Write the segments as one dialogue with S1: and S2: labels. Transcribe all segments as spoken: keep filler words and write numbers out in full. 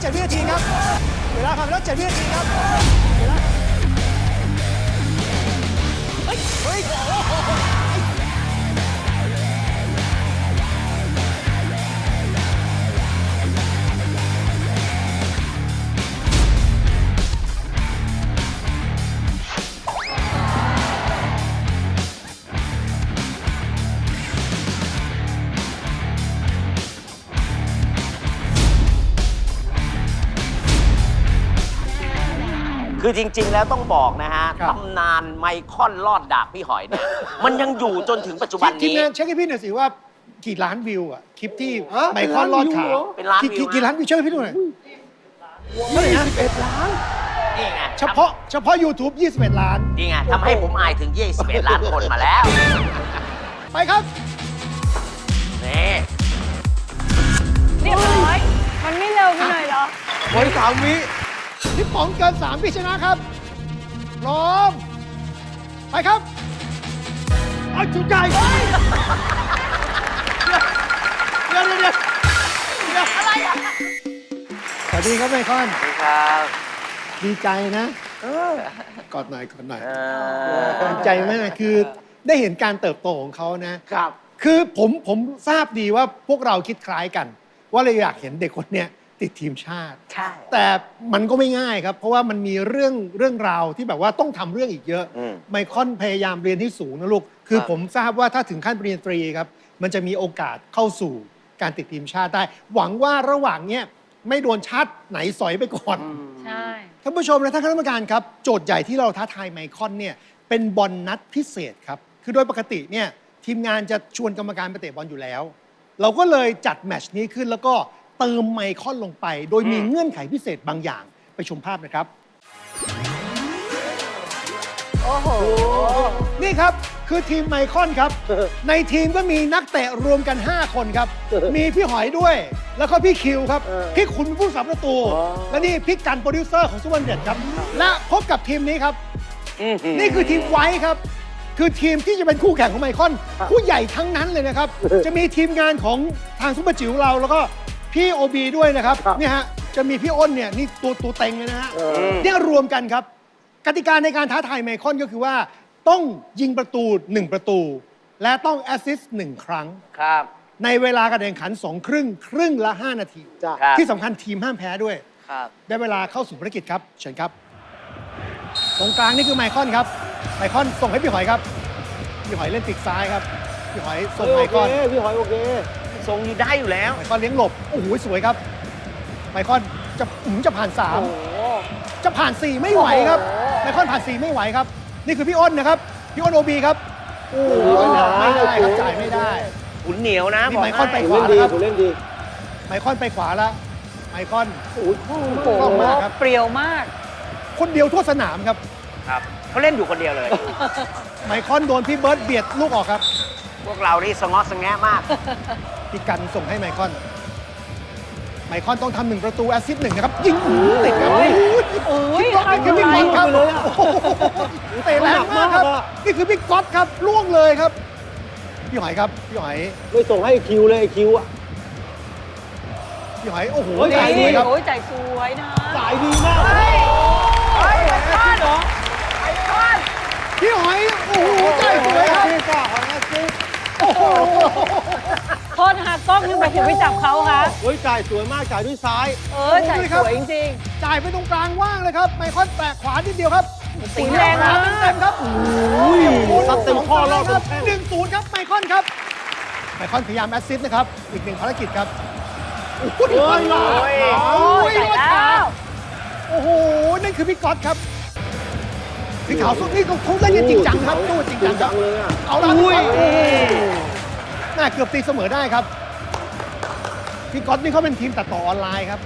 S1: จ็ดวินาทีครับเวลาผ่านไปแล้วเจ็ดวินาทีครับเวลาเฮ้ยเฮ้ย
S2: คือจริง ๆ แล้วต้องบอกนะฮะ
S1: ครับ
S2: ตำนานไมคอนลอดดากพี่หอยเนี่ย มันยังอยู่จนถึงปัจจุบัน
S1: ทีม
S2: นี้
S1: งานเช็คให้พี่หน่อยสิว่ากี่ล้านวิวอ่ะคลิปที่ไมคอนลอดขา
S2: เป็นล้านวิว
S1: กี่กี่ล้านวิวเช็คให้พี่ดูหน่อยเท่าไหร่นะ
S3: สิบเอ็ดล้าน
S2: นี่ไง
S1: เฉพาะเฉพาะ YouTube ยี่สิบเอ็ดล้าน
S2: นี่ไงทำให้ผมอายถึงยี่สิบเอ็ดล้านคนมาแล้ว
S1: ไปครับ
S2: นี่
S4: เรียบร้อย มันไม่เร็วไปหน่อยเหรอ
S3: โอ้ยสามวิ
S1: พี่ป๋องเกินสามพี่ชนะครับ พร้อม ไปครับเอาจุดใหญ่เดี๋ยวเดี๋ยวเดี๋ยวเดี๋ยวอะไรอ่ะสวัสดีครับไมคอน
S2: ครับ
S1: ดีใจนะกอดหน่อยกอดหน่อย
S2: เออ
S1: ดีใจมากคือได้เห็นการเติบโตของเขานะ
S3: ครับ
S1: คือผมผมทราบดีว่าพวกเราคิดคล้ายกัน ว่าเราอยากเห็นเด็กคนเนี้ยติดทีมชาติ
S2: ใช่
S1: แต่มันก็ไม่ง่ายครับ เพราะว่ามันมีเรื่องเรื่องราวที่แบบว่าต้องทำเรื่องอีกเยอะ
S2: อืม
S1: ไมคอนพยายามเรียนให้สูงนะลูก คือ
S2: ครับ
S1: ผมทราบว่าถ้าถึงขั้นปริญญาตรีครับ มันจะมีโอกาสเข้าสู่การติดทีมชาติได้ หวังว่าระหว่างเนี้ยไม่โดนชาติไหนสอยไปก่อน
S4: ใช่
S1: ท่านผู้ชมและท่านคณะกรรมการครับ โจทย์ใหญ่ที่เราท้าทายไมคอนเนี่ยเป็นบอลนัดพิเศษครับ คือโดยปกติเนี่ยทีมงานจะชวนกรรมการไปเตะบอลอยู่แล้ว เราก็เลยจัดแมตช์นี้ขึ้นแล้วก็เติมไมคอนลงไป โดยมีเงื่อนไขพิเศษบางอย่างไปชมภาพนะครับ
S4: โอ้โห
S1: นี่ครับคือทีมไมคอนครับ ในทีมก็มีนักเตะรวมกัน ห้า คนครับ มีพี่หอยด้วย แล้วก็พี่คิวครับ พี่ขุนเป็นผู้สาประตู และนี่พี่กันโปรดิวเซอร์ของซุปเปอร์เด็ดครับ และพบกับทีมนี้ครับ นี่คือทีมไว้ครับ คือทีมที่จะเป็นคู่แข่งของไมคอน ผู้ใหญ่ทั้งนั้นเลยนะครับ จะมีทีมงานของทางซุปเปอร์จิ๋วเรา แล้วก็พี่โอบีด้วยนะครับ เนี่ยฮะ จะมีพี่อ้นเนี่ยนี่ตัวตัวเต็งเลยนะฮะ เนี่ยรวมกันครับ กติกาในการท้าทายไมคอนก็คือว่าต้องยิงประตูหนึ่งประตู และต้องแอสซิสต์หนึ่งครั้ง
S2: ครับ
S1: ในเวลาการแข่งขันสองครึ่ง ครึ่งละ ห้า นาที
S3: จ้ะ
S2: ครับ
S1: ที่สำคัญทีมห้ามแพ้ด้วย
S2: ครับ
S1: ได้เวลาเข้าสู่ภารกิจครับ เชิญครับ ตรงกลางนี่คือไมคอนครับ ไมคอนส่งให้พี่หอยครับ พี่หอยเล่นปีกซ้ายครับ พี่หอยส่งไมคอน
S3: โอเคพี่หอยโอเค
S2: ทรงอยู่ได้อยู่แล้ว
S1: ไมคอนเลี้ยงหลบ โอ้โห สวยครับ ไมคอนจะอืมจะผ่านสาม
S3: โอ้โห
S1: จะผ่านสี่ไม่ไหวครับ ไมคอนผ่านสี่ไม่ไหวครับ นี่คือพี่อ้นนะครับ พี่อ้นโอบีครับ โอ้โหไม่ได้ครับจ่ายไม่ได้
S2: ขุนเหนียวนะ
S1: นี่
S2: บก
S1: ไมคอนไป
S2: ให้
S1: ขวา
S3: เล่นดี
S1: แล้วครับ
S3: ผมเล่นดี
S1: ไมคอนไปขวาแล้ว ไมคอน
S3: โอ้ยคล่อง
S4: โอ้
S3: มาก
S4: โห
S1: คล่องมากครับ
S4: เปรียวมาก
S1: คนเดียวทั่วสนามครับ
S2: ครับเขาเล่นอยู่คนเดียวเลย
S1: ไมคอนโดนพี่เบิร์ตเบียดลูกออกครับ
S2: พวกเรานี่สงอสงแงะมาก
S1: พี่กันส่งให้ไมคอน ไมคอนต้องทำหนึ่งประตูแอสซิสต์หนึ่งนะครับ ยิงหูติดครับ
S4: โอ้ย
S1: โอ้ย
S4: โอ้ย
S1: นี่คือพี่ก๊อตครับ
S3: ทำอะไรอ่ะ
S1: โอ้โหเตะแรงมากครับ นี่คือพี่ก๊อตครับล่วงเลยครับ พี่หอยครับ พี่หอย
S3: ไม่ส่งให้คิวเลยไอ้คิวอ่ะ
S1: พี่หอย โอ้โห
S3: โอ้ย
S1: จ่ายสวยครับ
S4: โอ้ยจ่ายสวยนะ
S3: สายดีมาก
S4: เฮ้ยเฮ้ยไมคอนเหรอไมคอน
S1: พี่หอย โอ้โหจ่ายสวยครับ
S3: พี่ก้าของแอสซิสต์
S1: โอ้โห
S4: โทษหากกล้องยังไปถึงไปจับเขาคะ
S3: โอ้ยจ่ายสวยมากจ่ายด้วยซ้าย
S4: เออจ่ายสวยจริง
S1: จ่ายไปตรงกลางว่างเลยครับ ไมคอนแตะขวานิดเดียวครับ
S4: ตีแรงมาก
S1: เต็มๆครับ
S3: อุ้ยซัดเต็มข้อรอบ
S1: ค
S3: เป็
S1: รับ
S3: นแท่ง
S1: หนึ่งศูนย์ครับ ไมคอนครับ ไมคอนพยายามแอสซิสต์นะครับ อีกหนึ่งภารกิจครับโอ้โห
S3: โอ้ย
S1: โอ้
S4: ๆ โอ้ย
S1: ย
S4: จ่ายแล้ว
S1: โอ้โห นั่นคือพี่ก๊อตครับพี่ขาวสุดนี่เขาเขาเล่นกันจริงจังครับตู้จริงจังครับ
S3: เลยอ่ะ
S1: เอาละพี่ก๊อตโอ้โหน่าเกือบตีเสมอได้ครับ พี่ก๊อตนี่เขาเป็นทีมตัดต่อออนไลน์ครับ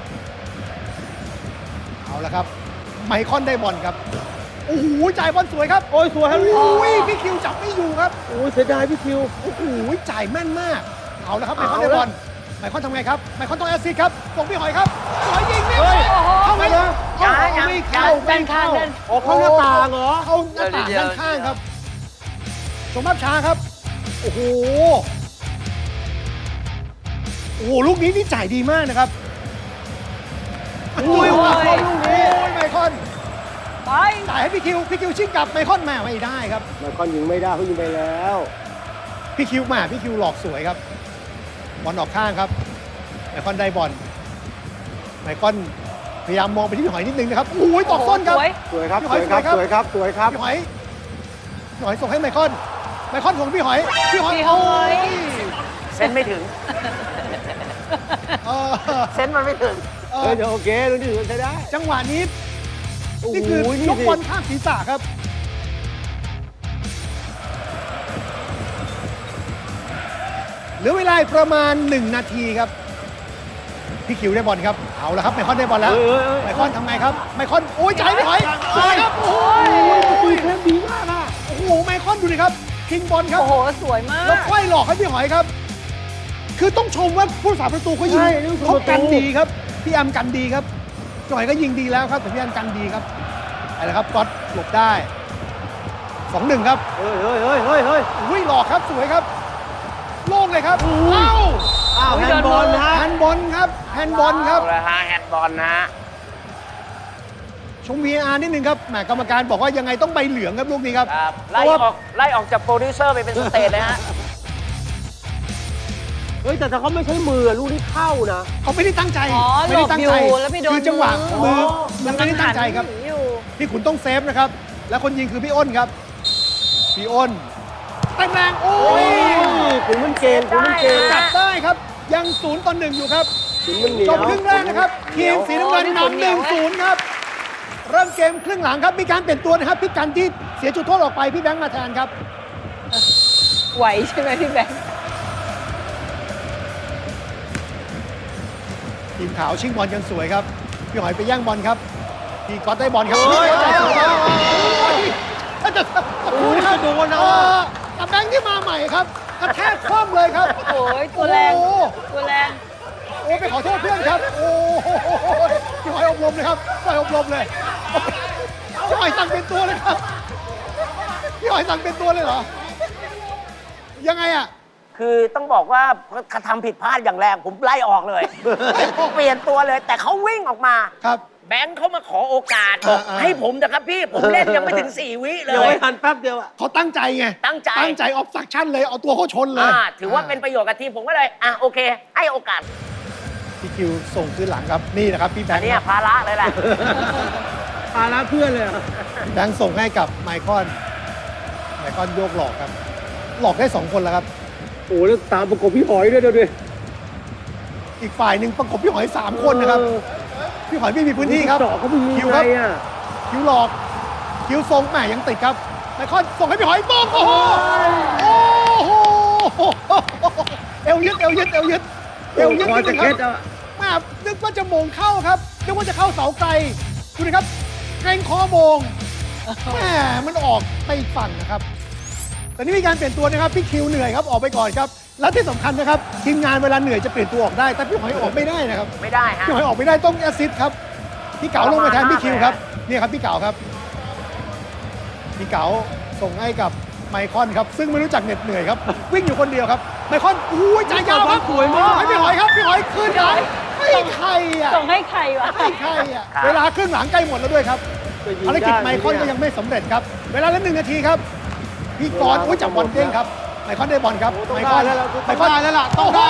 S1: เอาละครับ ไมคอนได้บอลครับ โอ้โห จ่ายบอลสวยครับ
S3: โอ้ยสวยฮะ
S1: โอ้ยพี่คิวจับไม่อยู่ครับ
S3: โอ้ยเสียดายพี่คิว
S1: โอ้โห จ่ายแม่นมาก เอาละครับ ไมคอน
S3: เอา
S1: ได้
S3: ละ
S1: บอล ไมคอนทำไงครับ ไมคอนต้องแอสซิสต์ครับส่งพี่หอยครับหอยยิงไม่
S3: เฮ้
S1: เข้าย เข้าไหม
S3: ยัง
S1: เข้า
S2: ยัง
S1: ไม่เข้า
S4: ดั
S1: ไม่
S4: นข้า
S1: เข้าง
S4: ดัน
S3: ออกเข้าหน้าต่างเหรอ
S1: เข้าหน้าต่างด้านข้างครับชมภาพช้าครับ โอ้โห โอ้โห ลูกนี้นี่จ่ายดีมากนะครับอุ้ยไมคอนลูกนี้โอ้ยไมคอน
S4: ไป
S1: จ่ายให้พี่คิวพี่คิวชิงกลับไมคอนแม่ไม่ได้ครับ
S3: ไมคอนยิงไม่ได้เขายิงไปแล้ว
S1: พี่คิวมาพี่คิวหลอกสวยครับบอลออกข้างครับไมคอนได้บอลไมคอนพยายามมองไปที่พี่หอยนิดนึงนะครับโอ้ยตอกส้นครับ
S4: สวย
S3: สวยครับ
S1: พี่
S3: ส
S1: หอ
S3: วย ยครับ
S1: สวยครับ
S3: สวยครับสวยครับ
S1: พี่หอยพี่หอยส่งให้ไมคอนไมคอนส่งพี่หอยพี่หอย
S4: พี่หอย
S2: เส้นไม่ถึง
S1: เออ
S2: เส้นมันไม่ถึง
S1: เอ
S3: เฮ้
S1: อย
S3: เดี๋ยวโอเคดูดิใช้ได้
S1: จังหวะนี้
S3: โอ้โห
S1: นี่คือ
S3: นี่
S1: ยก
S3: สิ
S1: บอลข้ามศีรษะครับ เหลือเวลาประมาณหนึ่งนาทีครับ พี่คิวได้บอลครับ เอาละครับไมคอนได้บอลแล้ว
S3: เฮ้ยเฮ้ย
S1: ไม
S3: เฮ้ย
S1: คอนทำไงครับ ไมคอน โอ้ยจ่ายไม่ถอยสวยครับ โอ้ย
S3: คุยเทปดีมากอ่ะ
S1: โอ้โห ไมคอนดูดิครับทิ้งบอลครับ
S4: โอ้โห สวยมา
S1: แล้ว
S4: ก
S1: ไขว้หลอกให้พี่หอยครับ คือต้องชมว่าผู้สาประตูเขายิง
S3: ใช่นี่คือ
S1: เขา
S3: ประตู
S1: กันดีครับ พี่แอมกันดีครับพี่หอยก็ยิงดีแล้วครับแต่พี่แอมกันดีครับอะไรครับก๊อตหลบได้สองหนึ่งครับ
S3: เฮ้ยเฮ้ยเฮ้ยเฮ้ยเฮ้ย
S1: อุ้ยหลอกครับสวยครับ โล่งเลยครับเอ้า
S3: อ้าว
S4: อุ๊
S3: แฮ
S4: ย
S3: นด์บอล
S4: เดิน
S3: นะฮะ
S1: แฮนด์บอลครับแฮนด์บอลครับ
S2: เอาละฮะแฮนด์บอลนะฮะ
S1: ชม วี อาร์ นิดนึงครับแหมกรรมการบอกว่ายังไงต้องใบเหลืองครับลูกนี้ครับ
S2: ครับ
S1: เพ
S2: ไล่
S1: ราะว่า
S2: ออกไล่ออกจากโปรดิวเซอร์ไปเป็นสเตจเลยฮะ
S3: เฮ้ยแต่ถ้าเขาไม่ใช้มือลูกนี้เข้านะ
S1: เขาไม่ได้ตั้งใจ
S4: อ๋อ
S1: ไม่ได้ตั้งใจ
S4: หลบอยู่แล้วไปโดน
S1: คือจังหวะ
S4: มื
S1: มื
S4: อ
S1: อมันไม่ได้ตั้งใจครับ
S4: หนีอยู่
S1: พี่ขุนต้องเซฟนะครับ และคนยิงคือพี่อ้นครับ พี่อ้นแรงๆโอ้
S3: โอ้
S1: ย
S3: ยขุนมันเก่งขุนมันเก่ง
S1: จับได้ครับ ยังศูนย์ต่อหนึ่งอยู่ครับ
S3: ขุนมันเหนียว
S1: จบครึ่งแรกนะครับ ทีมสีน้ำเงินนำหนึ่งศูนย์ครับ เริ่มเกมครึ่งหลังครับ มีการเปลี่ยนตัวนะครับ พี่กันที่เสียจุดโทษออกไปพี่แบงค์มาแทนครับ
S4: ไหวใช่ไหมพี่แบงค์
S1: ทีมขาวชิงบอลกันสวยครับ พี่หอยไปแย่งบอลครับ พี่ก๊อตได้บอลครับ
S3: โอ้ย
S1: ใจสวยครับโอ้ยถ้าจะตะคูนะครับ
S3: โอ้ยโดนนะ
S1: เออแต่แบงค์ที่มาใหม่ครับกระแทกคว่ำเลยครับ
S4: โอ้ยตัวแรง
S1: โอ้โห
S4: ตัวแรง
S1: โอ้ไปขอโทษเพื่อนครับ โอ้โหพี่หอยอบรมเลยครับพี่หอยอบรมเลยพี่หอยสั่งเป็นตัวเลยครับพี่หอยสั่งเป็นตัวเลยเหรอ ยังไงอ่ะ
S2: คือต้องบอกว่ากระทำผิดพลาดอย่างแรงผมไล่ออกเลย เปลี่ยนตัวเลย แต่เขาวิ่งออกมา
S1: ครับ
S2: แบงค์เขามาขอโอกาสบอก
S1: อ่าๆ
S2: ให้ผมนะครับพี่ ผมเล่นยังไม่ถึงสี่วิเล
S3: เดี๋ยวย ทันแป๊บเดียวอ่ะ
S1: เขาตั้งใจไง
S2: ตั้งใจ
S1: ตั้งใจออฟซักชั่นเลย เอาตัวเขาชนเลย
S2: อ่าถือว่าเป็นประโยชน์กับทีมผมก็เลย อ่ะโอเค ให้โอกาส
S1: พี่คิวส่งขึ้นหลังครับ นี่นะครับพี่แบ
S2: อั
S1: ง
S2: น
S1: ค์
S2: เนี้
S1: ค
S2: ย
S1: รับ
S2: ภาระเลยแหละ
S3: พาละเพื่อนเลยอะ
S1: พี่แบงค์ส่งให้กับไมคอนไมคอนโยกหลอกครับ หลอกได้สองคนแล้วครับ
S3: โอ้แล้วตามประกบพี่หอยด้วยเดี๋ยวดิ
S1: อีกฝ่ายหนึ่งประกบพี่หอยสามคนนะครับ
S3: เออ
S1: พี่หอยไม่มีพื้นที่ครับ
S3: เจาะเขาไม่ยิง
S1: คิว
S3: ใค
S1: ค
S3: ร
S1: รับ
S3: อ่ะ
S1: คิวหลอก คิวทรงแหมยังติดครับไมคอนส่งให้พี่หอยบ้องโอ้โหโอ้โหเอวยึดเอวยึดเอวยึดเอวยึด
S3: คอ
S1: นิดนึ
S3: จะ
S1: งค
S3: เคล็
S1: รั
S3: ด
S1: บ
S3: อ่ะ
S1: แม่นึกว่าจะโมงเข้าครับนึกว่าจะเข้าเสาไกลดูดิครับเกรงคอโมงแม่มันออกไปอีกฝั่งนะครับตอนนี้มีการเปลี่ยนตัวนะครับพี่คิวเหนื่อยครับออกไปก่อนครับและที่สำคัญนะครับทีมงานเวลาเหนื่อยจะเปลี่ยนตัวออกได้แต่พี่หอยออกไม่ได้นะครับ
S2: ไม่ได้ฮะ
S1: พี่หอยออกไม่ได้ต้องแอสซิสต์ครับพี่เก๋าลงมาแทนพี่คิวครับนี่ครับพี่เก๋าครับพี่เก๋าส่งให้กับไมคอนครับซึ่งไม่รู้จักเหน็ดเหนื่อยครับวิ่งอยู่คนเดียวครับไมคอนอุ้ยจ่ายยาวครับ
S3: สวยมาก
S1: ให้พี่หอยครับพี่หอยขึ้นหลังให้ใครอ่ะ
S4: ส่งให้ใครวะ
S1: ให้ใครอ่ะเวลาครึ่งหลังใกล้หมดแล้วด้วยครับภารกิจไมคอนก็ยังไม่สำเร็จครับเวลาเหลือหนึ่งนาทีครับพี่กรณ์อุ้ยจับบอลเด้งครับไมคอนได้บอลครับ
S3: ต้อง
S1: ไม
S3: ได้
S1: คอน
S3: แล้วล่ะ
S1: ไมคอน
S3: ต้องได้แล้วล่ะต้
S1: โอ้
S3: อง
S1: โห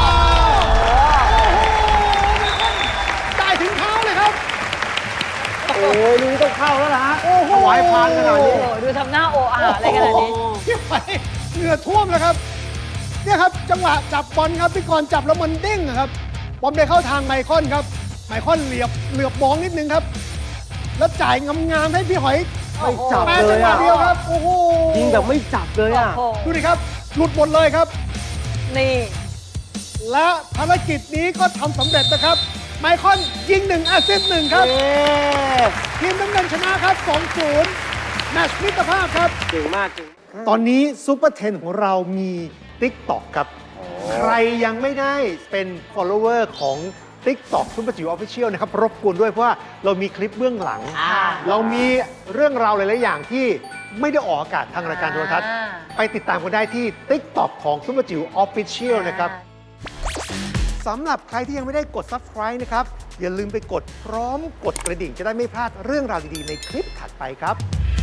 S3: ได้
S1: ได้ถึงเท้าเลยครับ
S3: โอ้ยลูกนี้ต้องเข้าแล้วล่ะฮะ
S1: โอ้โห
S3: ถวายพานขนาดนี้
S4: โอ้โหดูทำหน้าโออาอะไรขนาดนี้
S1: พี่หอยเหงื่อท่วมแล้วครับเนี่ยครับจังหวะจับบอลครับพี่กรณ์จับแล้วมันเด้งอะครับบอลไปเข้าทางไมคอนครับไมคอนเหลียบเหลือบมองนิดนึงครับ แล้วจ่ายงามๆให้พี่หอย
S3: ไม่จับ
S1: แม่
S3: เล
S1: จัง
S3: ย
S1: หวะ
S3: อ่ะ
S1: เดียวครับโอ้โห
S3: ยิงแบบไม่จับเลยอ่ะ
S4: โอ้โห
S1: ดูดิครับ หลุดหมดเลยครับ
S4: นี่
S1: และภารกิจนี้ก็ทำสำเร็จนะครับ ไมคอนยิงหนึ่งแอสซิสต์หนึ่งครับ
S3: เย้
S1: ทีมน้ำเงินชนะครับ สองศูนย์ แมตช์มิตรภาพครับ
S3: เก่งมากจริง
S1: ตอนนี้ซูเปอร์เทนของเรามี TikTok ครับ ใครยังไม่ได้เป็น follower ของ TikTok ซุปเปอร์จิ๋วออฟฟิเชียลนะครับ รบกวนด้วยเพราะว่าเรามีคลิปเบื้องหลัง
S2: อ่า
S1: เรามีเรื่องราวหลาย ๆ อย่างที่ไม่ได้ออกอากาศทางรายการโทรทัศน์
S4: อ่า
S1: ไปติดตามกันได้ที่ TikTok ของซุปเปอร์จิ๋วออฟฟิเชียลนะครับสำหรับใครที่ยังไม่ได้กด Subscribe นะครับ อย่าลืมไปกดพร้อมกดกระดิ่งจะได้ไม่พลาดเรื่องราวดี ๆ ในคลิปถัดไปครับ